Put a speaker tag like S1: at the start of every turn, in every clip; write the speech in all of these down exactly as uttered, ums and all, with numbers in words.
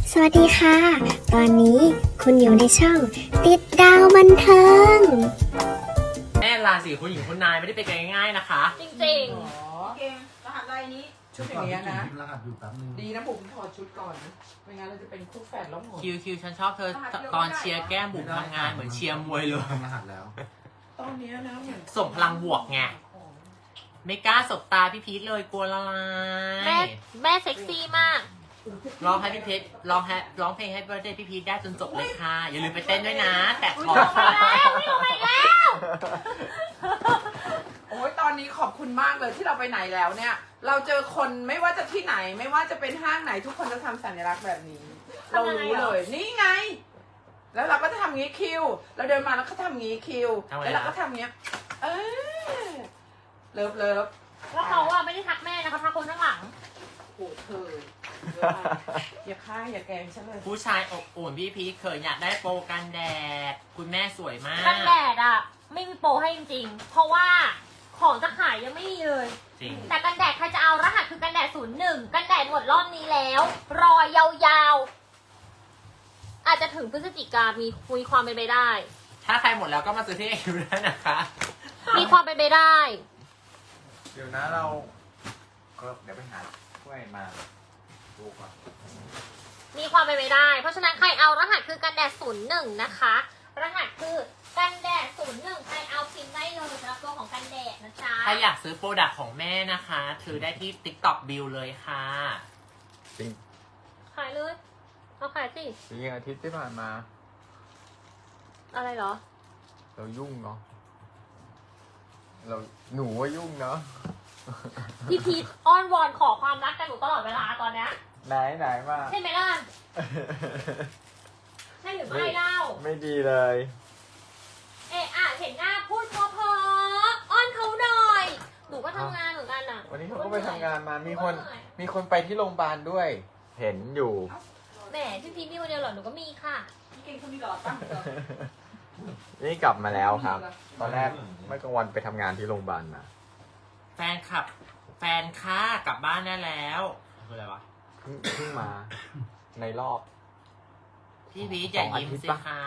S1: สวัสดีค่ะ ตอนนี้คุณอยู่ในช่องติดดาวบันเทิง
S2: แม่ราศีคุณหญิงคุณนายไม่ได้เป็นกันง่ายๆนะคะ
S3: จริง
S4: อ๋อเกมรหัสอะไรนี้ ชุดอย่างเงี้ยนะ
S5: รหัสอยู่แป๊บนึง
S4: ดีนะผมถอดชุดก่อนนะไม่งั้นเราจะเป็นคู่แฝดแล้วหมด
S2: คิวคิวฉันชอบเธอตอนเชียร์แก้มบุ๋มทำงานเหมือนเชียร์มวยเลย
S5: ทำรหัสแล้ว
S4: ตอนเนี้ยนะเหมือน
S2: ส่งพลังบวกไง ไม่กล้าสบตาพี่พีทเลยกลัวละลา
S3: ๆ แม่
S2: ย
S3: แม่เซ็กซี่มาก
S2: ร้องให้พี่พีทร้องให้ร้องเพลงให้เบอร์เดย์พี่พีทได้จนจบเลยค่ะ อย่าลืมไปเต้นด้วยนะ แตะคอ
S3: ไปแล้วไม่ลงไปแล้ว
S4: โอ้ยตอนนี้ขอบคุณมากเลยที่เราไปไหนแล้วเนี่ย เราเจอคนไม่ว่าจะที่ไหนไม่ว่าจะเป็นห้างไหนทุกคนจะทำสัญลักษณ์แบบนี้ เรารู้เลย นี่ไง แล้วเราก็จะทำงี้คิว เราเดินมาแล้วก็ทำงี้คิว แล้วเราก็ทำงี้ เออเลิฟเลิฟ
S3: แล้วเขาอะไม่ได้ทักแม่นะคะทักคนข้างหลัง
S4: โอ้เธออย่าฆ่าอย่าแกล้งฉันเลย
S2: ผู้ชายอบอุ่นพี่พีทเคยอยากได้โปรกันแดด คุณแม่สวยมาก
S3: กันแดดอะไม่มีโปรให้จริงๆ เพราะว่าของจะขายยังไม่มีเลย
S2: จริง
S3: แต่กันแดดใครจะเอารหัสคือกันแดดศูนย์หนึ่งกันแดดหมดรอบนี้แล้ว รอยาวๆ อาจจะถึงพฤศจิกามีคุยความเป็นไปได้
S2: ถ้าใครหมดแล้วก็มาซื้อที่เอคิวได้นะคะ
S3: มีความเป็นไปได้
S6: เดี๋ยวนะเราก็เดี๋ยวไปหาถ้วยมาดูก่อน
S3: มีความเป็นไปได้ เพราะฉะนั้นใครเอารหัสคือกันแดดศูนย์หนึ่งนะคะ รหัสคือกันแดดศูนย์หนึ่งใครเอาพิมพ์ได้เลยสำหรับตัวของกันแดดนะจ๊ะ
S2: ถ้าอยากซื้อโปรดักต์ของแม่นะคะซื้อได้ที่ TikTok Bill เลยค่ะ
S6: จริง
S3: ขายเลยเอาขายสิ
S6: จริงๆอาทิตย์ที่ผ่านมา
S3: อะไรเหรอ
S6: เรายุ่งเนาะเราหนูว่ายุ่งเนาะ
S3: พี่พีทอ้อนวอนขอความรักกันหนูตลอดเวลาตอนเนี้ย
S6: ไหนไหนมา
S3: ใช่ไหมล่ะใช่หรือไม่เล่า
S6: ไม่ดีเลย
S3: เอะอะเห็นหน้าพูดเพอๆอ้อนเขาหน่อย หนูก็ทำงานเหมือนกันอ่ะ
S6: วันนี้เขาก็ไปทำงานมามีคนมีคนไปที่โรงพยาบาลด้วย เห็นอยู่
S3: แหมพี่พีทมีคนเดียวเหรอหนูก็มีค่ะ
S4: เก่งคนนี้หล่อตั้งเหรอ
S6: นี่กลับมาแล้วครับ ตอนแรกเมื่อกลางวันไปทำงานที่โรงพยาบาลมา
S2: แฟนขับ แฟนค่ากลับบ้านได้แล้วคืออะไรวะ
S6: เพิ่งเพิ่งมาในรอบ
S2: พี่พีชอย่ายิ้ม
S6: สองอาทิตย์
S2: สิ
S6: ปะ
S2: คะ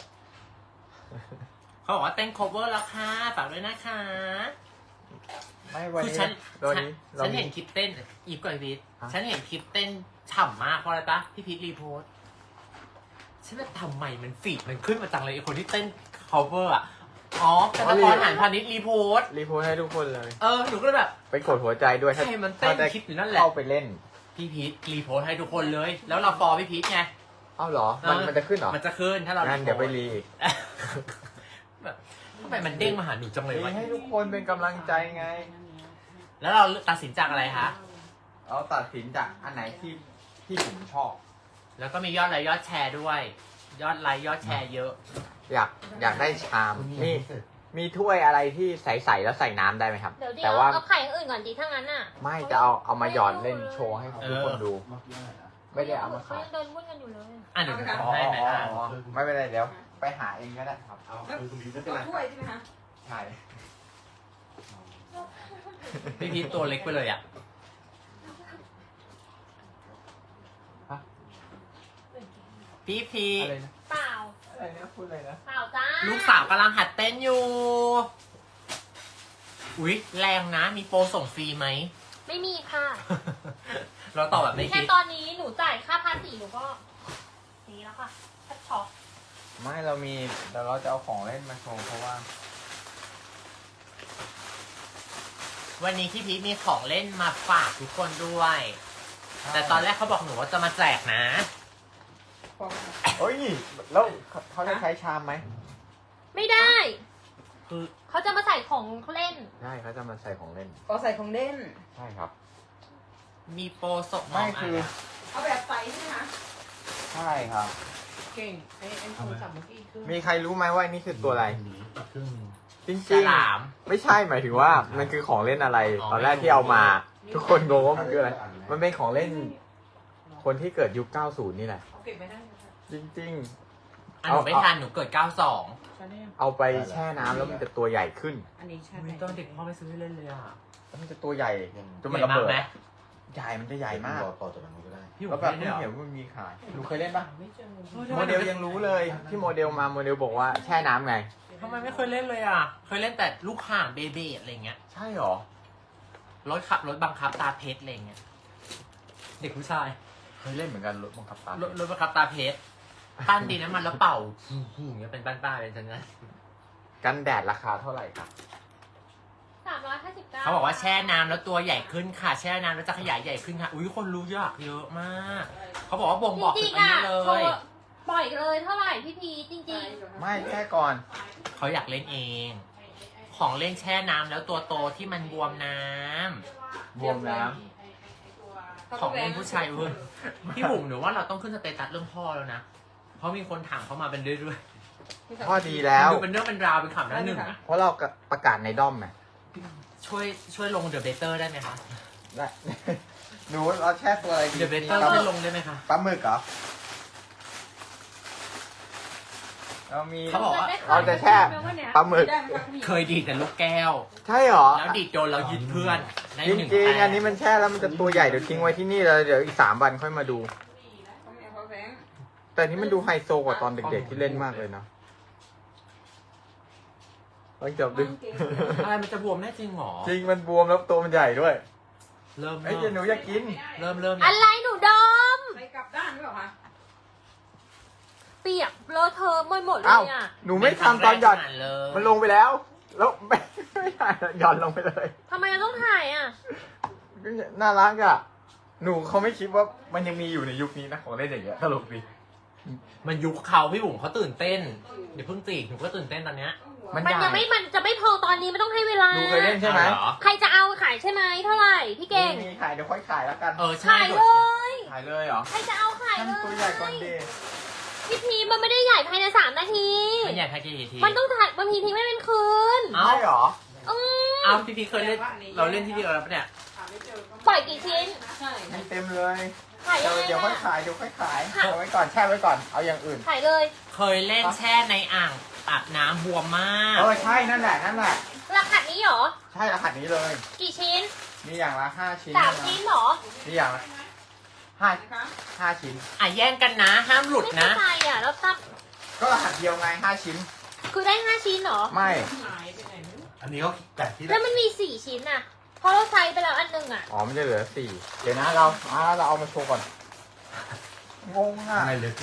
S2: เขาบอกว่าเต้น cover แล้วค่ะฝากด้วยนะคะ
S6: ไม่วัน
S2: คือ
S6: นี้
S2: ฉัน
S6: วัน
S2: ฉัน
S6: นี้
S2: ฉัน
S6: มี
S2: เห็นคลิปเต้นอีฟกับพีช
S6: ฮะ
S2: ฉันเห็นคลิปเต้นฉ่ำมากเพราะอะไรปะพี่พีชรีโพสต์ฉันว่าทำไมมันฟีดมันขึ้นมาจังเลยไอคนที่เต้น cover อ่ะอ๋อแต่ละครหันพาณิชย์รีโพสต์
S6: รีโพสต์ให้ทุกคนเลย
S2: เออหนูก็เลยแบบ
S6: ไปกดหัวใจด้วย
S2: ใครมันเต้น
S6: ถ้าได้
S2: คลิปอยู่นั่นแหละ
S6: เข้าไปเล่น
S2: พี่พีชรีโพสต์ให้ทุกคนเลย แล้วเราฟอลพี่พีชไง
S6: เอ้าเหรอ มัน
S2: เออ
S6: มันจะขึ้นเหรอ
S2: มันจะขึ้นถ้าเรา
S6: งั้นเดี๋ยวไปรีอีก
S2: แบบทำไมมันเด้งมาหาหนูจังเล
S6: รี
S2: ยวะ
S6: ให้ทุกคนเป็นกำลังใจไง
S2: แล้วเราตัดสินจากอะไรคะ
S6: เราตัดสินจากอันไหนที่ที่ผมชอบ
S2: แล้วก็มียอดไลค์ยอดแชร์ด้วย ยอดไลค์ยอดแชร์เยอะ
S6: อยากอยากได้ชามมีมีถ้วยอะไรที่ใสๆแล้วใส่น้ำได้ไหมครับ
S3: เดี๋ยวเดี๋ย
S6: แต่
S3: ว
S6: ว่า
S3: เอาไข่อย่างอื่นก่อนดีถ้างั้นน่ะ
S6: ไม่จะเอาเอามาหยอดเล่นโชว์ให้ทุกคนดู
S5: เมื่อกี้อะไรนะ
S6: ไม่ได้เอามา
S3: เขา
S6: ขาย
S3: ยังเดินวุ่นกันอยู่เลย
S2: อ่ะเดี๋ยวหนู
S6: อ๋อ
S2: ทำให้ไหม
S6: อ๋อ
S2: อ่ะ
S6: อ๋อไม่เป็นไรเดี๋ยวไปหาเองก็ได้ครับ
S5: เอาคือคุณบีไม่เป็นไร
S4: ถ้วยใช่ไหมคะ
S6: ใช่
S2: พี่พีชตัวเล็กไปเลยอ่ะ พี่พี
S6: อะไรนะ
S3: เปล่า
S6: อะไรนะพูดอะไรนะ
S3: เปล่าจ้า
S2: ลูกสาวกำลังหัดเต้นอยู่ อุ๊ย แรงนะ มีโปรส่งฟรีไหม
S3: ไม่มีค่ะ
S2: เราตอบแบบไม่
S3: แค่
S2: คิด
S3: ตอนนี้หนูจ่ายค่าภาษีหนูก็นี่แล้วค่ะแทบช็อก
S6: ไม่เรามีเดี๋ยวเราจะเอาของเล่นมาโชว์เพราะว่า
S2: วันนี้พี่พีชมีของเล่นมาฝากทุกคนด้วย แต่ตอนแรกเขาบอกหนูว่าจะมาแจกนะ
S6: เฮ้ยแล้วเขาเขาจะใช้ชามไหม
S3: ไม่ได้
S2: คือ
S3: เขาจะมาใส่ของเล่น
S6: ใช่เขาจะมาใส่ของเล่น
S4: ก็ใส่ของเล่น
S6: ใช่ครับ
S2: มีโปรส่ง
S6: ไม่คือ
S4: เอาแบบใสใช่ไหมคะ
S6: ใช่ครับ
S4: เก่งไอ้ไอ้โทรศัพท์เมื่อกี้คือ
S6: มีใครรู้ไหมว่านี่คือตัวอะไร
S5: หนีอีกครึ่งหนึ่ง
S6: จริง
S2: ฉ
S6: ๆ
S2: ลาม
S6: ไม่ใช่หมายถึงว่ามันคือของเล่นอะไร
S2: อ๋อ
S6: ตอนแรกที่เอามา ทุกคนงงว่ามันคืออะไร มันเป็นของเล่น คนที่เกิดยุค เก้าสิบ นี่แหละ
S4: เอาเก็บไว้ได้ไหมคะ
S6: จริง
S2: อันหนูไม่ทันหนูเกิดเก้าสอง
S4: ใช่ไหม
S6: ๆ เอาไปแช่น้ำแล้วมันจะตัวใหญ่ขึ้น
S4: อันนี้ใช่ไหม
S2: ไม่ต้องเด็กพ่อไม่ซื้อให้เล่นเลยอ่ะ
S6: แล้วมันจะตัวใหญ่จนมัน
S2: ใหญ่
S6: ระเบิด
S2: มากไหม
S6: ใหญ่มันจะใหญ่มาก
S5: รอต่อจากนั้นก็ได้
S2: พี่บุ๋
S6: แล้ว
S2: ม
S6: แบบ
S2: เล่น
S6: ไม่
S2: ด้วยเหร
S6: เห็น
S2: อ
S6: ว่ามีขายหนูเคยเล่นปะ
S4: ไม่เจอ
S6: โมเดลยังรู้เลยที่โมเดลมาโมเดลบอกว่าแช่น้ำไง
S2: ทำไมไม่เคยเล่นเลยอ่ะ เคยเล่นแต่ลูกข่างเบเบอะไรเงี้ย
S6: ใช่หรอ
S2: รถขับรถบังคับตาเพชรอะไรเงี้ย เด็กผู้ชาย
S6: เคยเล่นเหมือนกันรถบังคับตาร
S2: ถรถบังคับตาเพชรปั้นดินน้ำมันแล้วเป่าอย่างเงี้ยเป็นป้านๆเป็นจังงั้น
S6: กันแดดราคาเท่าไหร่ครับ
S3: สามร้อยห้าสิบเก้า
S2: เขาบอกว่าแช่น้ำแล้วตัวใหญ่ขึ้นค่ะ แช่น้ำแล้วจะขยายใหญ่ขึ้นค่ะ อุ้ยคนรู้เยอะเยอะมาก เขาบอกว่าบ่งบอก
S3: จ
S2: ถึ
S3: ริ
S2: ง
S3: ง
S2: อัน
S3: ๆอ่ะ
S2: นี้เล
S3: โช
S2: ย
S3: ว์ปล่อยเลยเท่าไหร่พี่พีจริง
S6: ไม่แค่ก่อน
S2: เขาอยากเล่นเอง ของเล่นแช่น้ำแล้วตัวโตที่มันบวมน้ำ
S6: บวมน้
S2: ของเล่นผู้ชายเว้ยพี่บุ๋มหนูว่าเราต้องขึ้นสเตตัสเรื่องพ่อแล้วนะ เพราะมีคนถามเข้ามาเป็นเรื่อย
S6: ำพ่อดี
S2: ๆ
S6: แล้ว
S2: ดูเป็นเรื่องเป็นราวเป็นข่าวหน้าหนึ่งอะ
S6: เพราะเราประกาศในด้อมไง
S2: ช่วยช่วยลงเดอะเบเตอร์ได้ไหมคะ
S6: ได้ หนูเราแช่ตัวอะไรดี
S2: เดอะเบเตอร์ช่วยลงได้ไหมคะ
S6: ปลาหมึกเหรอเรามี
S2: เขาบอกว่า
S6: เราจะแช่ปลาหมึก
S2: เคยดีดแต่ลูกแก้ว
S6: ใช่หรอ
S2: แล้วดีดโดนเรายึดเพื่อนได้
S6: จริง
S2: หนึ่ง
S6: จริง
S2: แต้ม
S6: อันนี้มันแช่แล้วมันจะตัวใหญ่เดี๋ยวทิ้งไว้ที่นี่แล้วเดี๋ยวอีกสามวันค่อยมาดู แต่นี่มันดูไฮโซกว่าตอนเด็กๆที่เล่นมากเลยเนาะลองจับดู
S2: อะไรมันจะบวมแน่จริงหรอ
S6: จริงมันบวมแล้วตัวมันใหญ่ด้วย
S2: เริ่ม
S6: ไอ้
S2: เริ่
S6: เจหนูอยากกิน
S2: เริ่มเริ่ม
S3: ๆ อะไรหนูดม
S4: ไปกลับด้านหรือเปล่าคะ
S3: เปียกเลอะเทอะหมดหมดเล
S6: อ้าวย
S3: อ่ะ
S6: หนูไม่ทำตอนหย่อน
S2: เลย
S6: มันลงไปแล้ว แล้วไม่ไม่ถ่ายหย่อนลงไปเลย
S3: ทำไมเราต้องถ่ายอ่ะ
S6: น่ารักอ่ะ หนูเขาไม่คิดว่ามันยังมีอยู่ในยุคนี้นะของเล่นอย่างเงี้ยตลกดี
S2: มันยุคเขาพี่บุ๋มเขาตื่นเต้นเดี๋ยวเพิ่งจีกหนูก็ตื่นเต้นตอนเนี้ย
S6: มัน
S3: มัน
S6: ใหญ่
S3: ยังไม่มันจะไม่พอตอนนี้มันต้องให้เวลา
S6: หนูเคยเล่นใช่ไหม
S2: เอาเหรอ
S3: ใครจะเอาขายใช่ไหมเท่าไหร่พี่เก่ง
S6: มีขายเดี๋ยวค่อยขายแล้วกัน
S2: เออใช่
S3: ขาย
S2: โด
S3: เล
S2: ด
S3: ย
S6: ขายเลยเหรอ
S3: ใครจะเอาขาย
S6: ท่าน
S3: เลย
S6: ตัวใหญ่ก่อนดี
S3: พี่พีมันไม่ได้ใหญ่ภายในสามนาที
S2: มันใหญ่แพ็กเกจกี่ที
S3: มันต้องถ่ายบางทีทิ้งไม่เป็นคืน
S2: เอ้า
S6: ใช่เหรอ
S3: อืม
S2: เอ้าพี่พีเคยเล่นเราเล่นที่เดียวแล้วปะเนี่ย
S3: ปล่อยกี่ชิ้น
S4: ใช่
S6: มีเต็มเลย
S3: ขาย
S6: เดี๋
S3: ยั
S6: ยว
S3: งไง
S6: เดี๋ยวค่อย
S3: อะ
S6: ขายเดี๋ยวค่อยขายเอาไว้ก่อนแช่ไว้ก่อนเอาอย่างอื่น
S3: ขายเลย
S2: เคยเล่นแช่ในอ่างอาบน้ำบวมมาก
S6: เออใช่นั่นแหละนั่นแหละ
S3: ราคานี้เหรอ
S6: ใช่รหัสนี้เลย
S3: กี่ชิ้น
S6: มีอย่างละห้าชิ้น
S3: สาม
S6: นะ
S3: ชิ้นเหรอ
S6: มีอย่างละห้า
S4: นะคะ
S6: ห้าชิ้น
S2: อ่ะแย่งกันนะ ห้ามหลุด
S3: ไม่
S2: นะ
S3: เข้าใจอ่ะ แล้วตั้ง
S6: ก็รหัสเดียวไงห้าชิ้น
S3: คือได้ห้าชิ้นเหรอ
S6: ไม่
S4: หายไปไหนไม่รู้
S5: อันนี้ก็แบบที่
S3: แล้วมันมีสี่ชิ้นอ่ะ เพราะเราใช้ไปแล้วอันหนึงอ่ะ
S6: อ๋อมันจะเหลือสี่เดี๋ยวนะเราอ่าเราเอามาโชว์ก่อนงงอ่ะ
S5: อะไรเลยสิ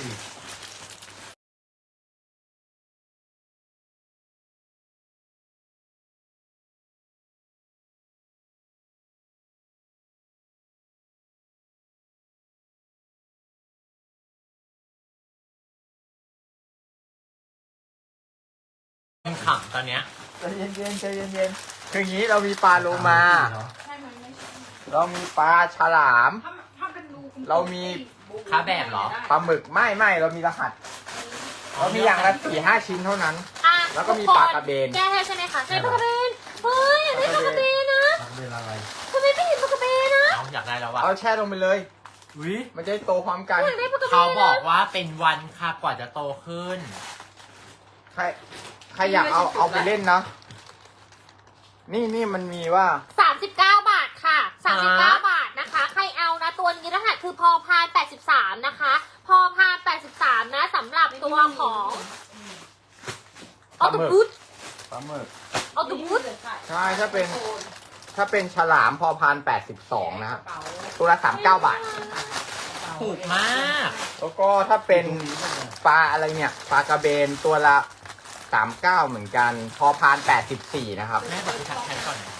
S2: มันขำตอนเนี้ย
S6: ใจเย็นๆใจเย็นๆคืออย่างนี้เรามีปลาโลมา
S4: ใช่ไหมไม่ใช่
S6: เรามีปลาฉลาม
S4: ถ้าถ้าเป็นรูกลมๆ
S6: เรามี
S2: ค้าแบบเหรอ
S6: ปลาหมึกไม่ไม่เรามีรหัส เรามีอย่างละสี่ห้าชิ้นเท่านั้น
S3: อ่ะ
S6: แล้วก็มี
S3: ทุคน
S6: ปลากระเบน
S3: แก้ให้ใช่ไหมคะใช่ปลากระเบน เฮ้ยอยากได้ปลากระเบนนะ
S5: ทำเป็นอะไร
S3: ทำไมไม่เห็นปลากระเบนนะ
S2: เอาอยากได้แล้ววะ
S6: เอาแช่ลงไปเลย
S2: วิ
S6: มันจะได้โตพร้อมกัน
S3: อยากได้ปลากระเบน
S2: เขาบอก
S3: นะ
S2: ว่าเป็นวันค่ะกว่าจะโตขึ้น
S6: ใครใครอยากเอาเอาไปเล่นนะ นี่นี่มันมีว่า
S3: สามสิบเก้าบาทค่ะสามสิบเก้า
S2: ฮะ
S3: บาทนะคะ ใครเอานะ ตัวนี้รหัสคือพอพานแปดสิบสามนะคะ พอพานแปดสิบสามนะสำหรับตัวของออโตบุส
S6: ปลาหมึก
S3: ออโตบุส
S6: ใช่ถ้าเป็น ถ้าเป็นฉลามพอพานแปดสิบสองนะครับตัวละสามเก้าบาท
S2: ถูกมาก
S6: แล้วก็ถ้าเป็นปลาอะไรเนี่ย ปลากระเบนตัวละสามเก้าเหมือนกัน พอพานแปดสิบสี่นะครับ
S2: แม่บอกให้ทักแทนก่อนนะ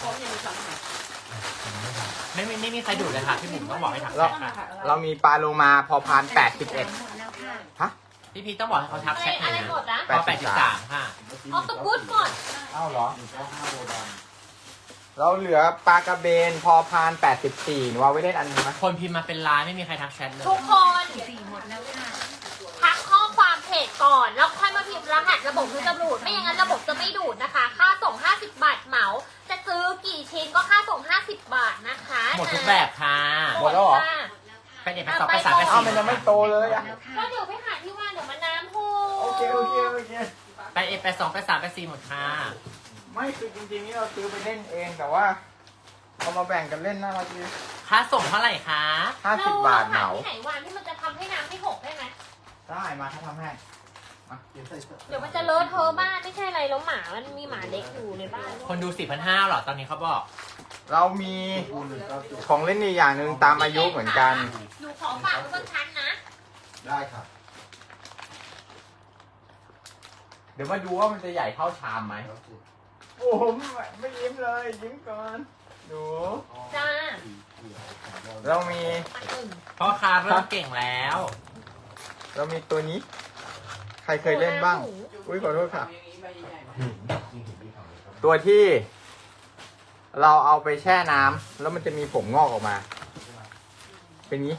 S2: ไม่ไม่ไม่มีใครดูดเลยค่ะพี่บุ๋มต้องบอกให้ทักแท
S6: เรา
S2: นค่ะ
S6: เรามีปลาโลมาพอพานแปดสิบเอ็ดฮะ
S2: พี่พีต้องบอกให้เขาทัก
S3: อะไร
S2: แชทหน่
S3: อะ
S2: อย
S3: ไร
S2: นะ
S3: หมดนะ
S2: พอแปดสิบสามค่ะ
S3: ออโตบุสก่อน
S6: อ้าวเหรอ
S5: หนึ่งเก้าห้าโบราณ
S6: เราเหลือปลากระเบนพอพานแปดสิบสี่หนูเอาไว้เล่นอันนึงไหม
S2: คนพิมพ์มาเป็นล้านไม่มีใครทักแชทเลย
S3: ทุกคนทักข้อความเพจก่อน แล้วค่อยมาพิมพ์รหัสระบบคือจะดูด ไม่อย่างนั้นระบบจะไม่ดูดนะคะ ค่าส่งห้าสิบบาทเหมา จะซื้อกี่ชิ้นก็ค่าส่งห้าสิบบาทนะคะ
S2: หมดทุกแบบค่ะ
S6: หมดแล้วเหรอ
S3: ค่ะ
S2: ไปเด็ดไปสอบไปสามไป
S6: อ้าว
S2: สี่
S6: มันยังไม่โตเลยอ่ะ
S3: ก็เดี๋ยวไปหาที่ว่าเดี๋ยวมันน้ำพู
S6: โอเคโอเคโอเค
S2: ไปเอ็ดไปสองไปสามไปสี่หมดค่ะ
S6: ไม่คือจริงๆนี่เราซื้อไปเล่นเองแต่ว่าเอามาแบ่งกันเล่นน่ารักดี
S2: ค่าส่งเท่าไหร่คะ
S6: ห้าสิบบาทเหมา
S3: ที่ไหนวานที่มันจะทำให้น้ำไม่หกได้ไหม
S6: ได้มาเขาทำให้
S3: เดี๋ยวมันจะเลอะเทอะบ้านไม่ใช่อะไรแล้วหมามันมีหมาเล็กอยู่ในบ้าน
S2: คนดูสี่พันห้าหรอตอนนี้เขาบอก
S6: เรามีของเล่นอีกอย่างหนึ่งตามอายุเหมือนกัน
S3: หนูขอฝากไว้บนชั้นนะ
S5: ได้ครับ
S6: เดี๋ยวมาดูว่ามันจะใหญ่เท่าชามไหม โอ้โหไม่ยิ้มเลย ยิ้มก่อนหนู
S3: จ้า
S6: เรามี
S3: ปักหนึ่ง
S2: พ่อค้าเริ่มเก่งแล้ว
S6: เรามีตัวนี้ ใครเคยเล่นบ้าง อุ้ยขอโทษค่ะ
S4: อย่างนี้ใบใหญ่ๆไหม
S6: ตัวที่ เราเอาไปแช่น้ำแล้วมันจะมีผมงอกออกมา เป็นงี้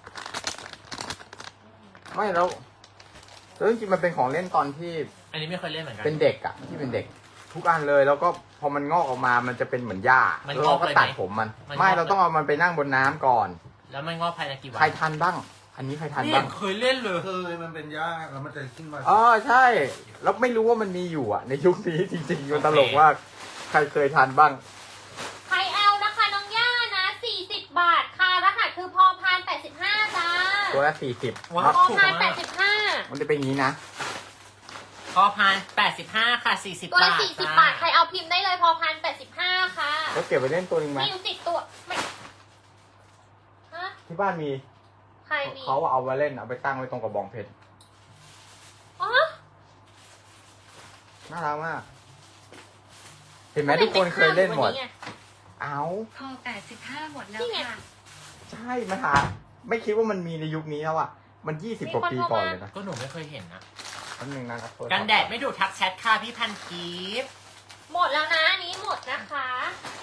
S6: ไม่แล้วแล้วจริงๆมันเป็นของเล่นตอนที่
S2: อันนี้ไม่เคยเล่นเหมือนกัน
S6: เป็นเด็กอะที่เป็นเด็ก ทุกอันเลยแล้วก็พอมันงอกออกมามันจะเป็นเหมือนหญ้า
S2: มัน
S6: แล้ว
S2: งอ
S6: เรา
S2: ก
S6: ก็
S2: เลยไหม
S6: ตัดผมมัน
S2: มันงอก
S6: ไม่เราต้องเอามันไปนั่งบนน้ำก่อน
S2: แล้วมันงอกภายในกี่วัน
S6: ใครทันบ้าง อันนี้ใครทัน
S2: นี่
S6: บ้าง
S2: เคยเล่นเลย
S5: เคยมันเป็นยากแล้วมันจะขึ้นมา
S6: อ๋อใช่ แล้วไม่รู้ว่ามันมีอยู่อะในยุคนี้จริงๆมันตลกมากใครเคยทันบ้าง
S3: ใครเอานะคะน้องย่านะสี่สิบบาทค่ะรหัสคือพอพานแปดสิบห้าจ้า
S6: ตัวละสี่สิบ
S2: ว้า
S3: พอ
S2: ถูก
S3: พานแป
S2: มา
S3: ด
S2: ก
S3: สิบห้า
S6: มันจะเป็นอย่างนี้นะ
S2: พอพานแปดสิบห้าค่ะสี่สิบ
S3: ตัวละ
S2: บาท
S3: สี่สิบ
S2: จ้
S3: บาท ใครเอาพิมพ์ได้เลยพอพานแปดสิบห้าค่ะ
S6: แล้วเก็บไปเล่นตัวหนึงไหม
S3: มีอยู่สิบตัวไม่ฮะ
S6: ที่บ้านมี
S3: ใครมี
S6: เขาเอามาเล่นเอาไปตั้งไว้ตรงกระบองเพชร
S3: อ๋อ
S6: น่ารักมาก เห็นไหมทุกคนเคยเล่นหมด เอา
S7: พอแปดสิบห้าหมดแล้ว
S3: นี่ไง
S7: ค่ะ
S6: ใช่มาหาไม่คิดว่ามันมีในยุคนี้แล้วอะมันยี่สิบกว่าปีก่อนเลยนะ
S2: ก็หนูไม่เคยเห็นนะ
S6: แป๊บนึงนะครับ
S2: กันแดดไม่ดูดทักแชทค่ะพี่พันกีฟ
S3: หมดแล้วนะอันนี้หมดนะคะ